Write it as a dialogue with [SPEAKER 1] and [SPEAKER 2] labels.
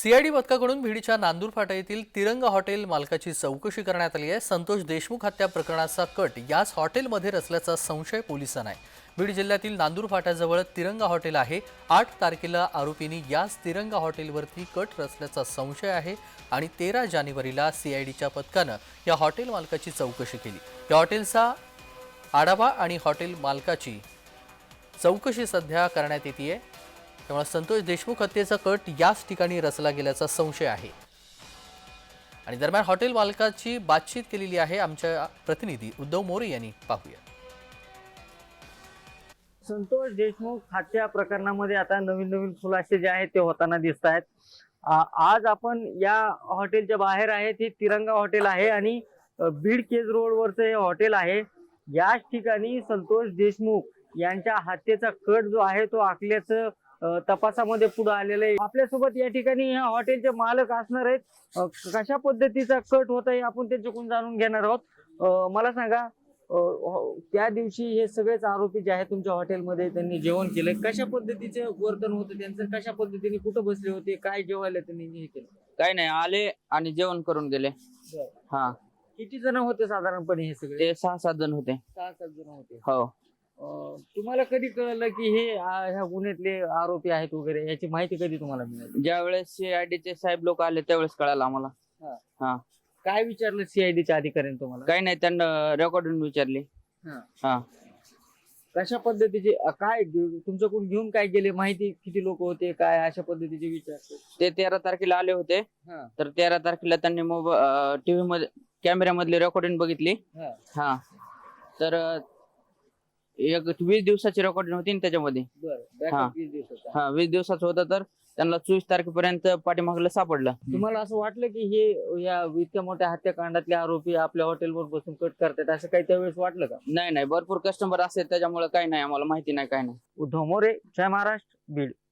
[SPEAKER 1] CID पथकाकडून बीडच्या नांदूर फाटा येथील तिरंगा हॉटेल मालकाची चौकशी करण्यात आली आहे। संतोष देशमुख हत्या प्रकरणाचा कट याच हॉटेलमध्ये रचल्याचा संशय पोलिसांना आहे। बीड जिल्ह्यातील नांदूर फाट्याजवळ तिरंगा हॉटेल आहे। 8 तारखेला आरोपींनी याच तिरंगा हॉटेलवरती कट रचल्याचा संशय आहे आणि 13 जानेवारीला सीआयडीच्या पथकानं या हॉटेल मालकाची चौकशी केली। या हॉटेलचा आढावा आणि हॉटेल मालकाची चौकशी सध्या करण्यात येते। त्यामुळे संतोष देशमुख हत्येचा कट याच ठिकाणी रचला गेल्याचा संशय आहे। आणि दरम्यान हॉटेल मालकाची बातचीत केलेली आहे आमच्या प्रतिनिधी उद्धव मोरे यांनी। पाहूया।
[SPEAKER 2] संतोष देशमुख हत्या प्रकरणामध्ये आता नवीन खुलासे जे आहेत ते होताना दिसत आहेत। आज आपण या हॉटेलच्या बाहेर आहे, ते तिरंगा हॉटेल आहे आणि बीड केज रोडवरचं हे हॉटेल आहे। याच ठिकाणी संतोष देशमुख यांच्या हत्येचा कट जो आहे तो आखल्याचं तपासामध्ये पुढे आलेलं आहे। आपल्यासोबत या ठिकाणी ह्या हॉटेलचे मालक असणार आहेत। कशा पद्धतीचा कट होता हे आपण त्यांच्याकडून जाणून घेणार आहोत। मला सांगा, त्या दिवशी हे सगळेच आरोपी जे आहेत तुमच्या हॉटेलमध्ये त्यांनी जेवण केलं, कशा पद्धतीचे वर्तन होतं त्यांचं, कशा पद्धतीने कुठं बसले होते, काय जेवायला त्यांनी हे केलं?
[SPEAKER 3] काय नाही, आले आणि जेवण करून गेले। हा,
[SPEAKER 2] किती जण होते साधारणपणे हे सगळे?
[SPEAKER 3] ते 6-7 जण होते।
[SPEAKER 2] 6-7 जण होते।
[SPEAKER 3] हो।
[SPEAKER 2] तुम्हाला कधी कळलं की हे ह्या गुन्ह्यातले आरोपी आहेत वगैरे, याची माहिती कधी तुम्हाला मिळाली?
[SPEAKER 3] ज्या वेळेस सीआयडीचे साहेब लोक आले त्यावेळेस कळालं आम्हाला। हा,
[SPEAKER 2] काय विचारलं सीआयडीच्या अधिकाऱ्यांनी तुम्हाला?
[SPEAKER 3] काही नाही, त्यांना रेकॉर्डिंग विचारली। हा,
[SPEAKER 2] कशा पद्धतीचे काय तुमच्याकडून घेऊन काय गेले, माहिती किती लोक होते, काय अशा पद्धतीचे विचारतो?
[SPEAKER 3] ते 13 तारखेला आले होते। तर 13 तारखेला त्यांनी टीव्ही मध्ये कॅमेऱ्यामधली रेकॉर्डिंग बघितली। हा, तर एक 20 दिवसाची रेकॉर्डिंग होती त्याच्यामध्ये।
[SPEAKER 2] हा,
[SPEAKER 3] 20 दिवसाचं होतं, तर त्यांना 24 तारखेपर्यंत पाठीमागलं सापडलं।
[SPEAKER 2] तुम्हाला असं वाटलं की हे या इतक्या मोठ्या हत्याकांडातले आरोपी आपल्या हॉटेलवर बसून कट करतात, असं काही त्यावेळेस वाटलं का?
[SPEAKER 3] नाही, भरपूर कस्टमर असेल त्याच्यामुळे काही नाही, आम्हाला माहिती नाही, काय नाही।
[SPEAKER 2] उद्धव मोरे, जय महाराष्ट्र, बीड।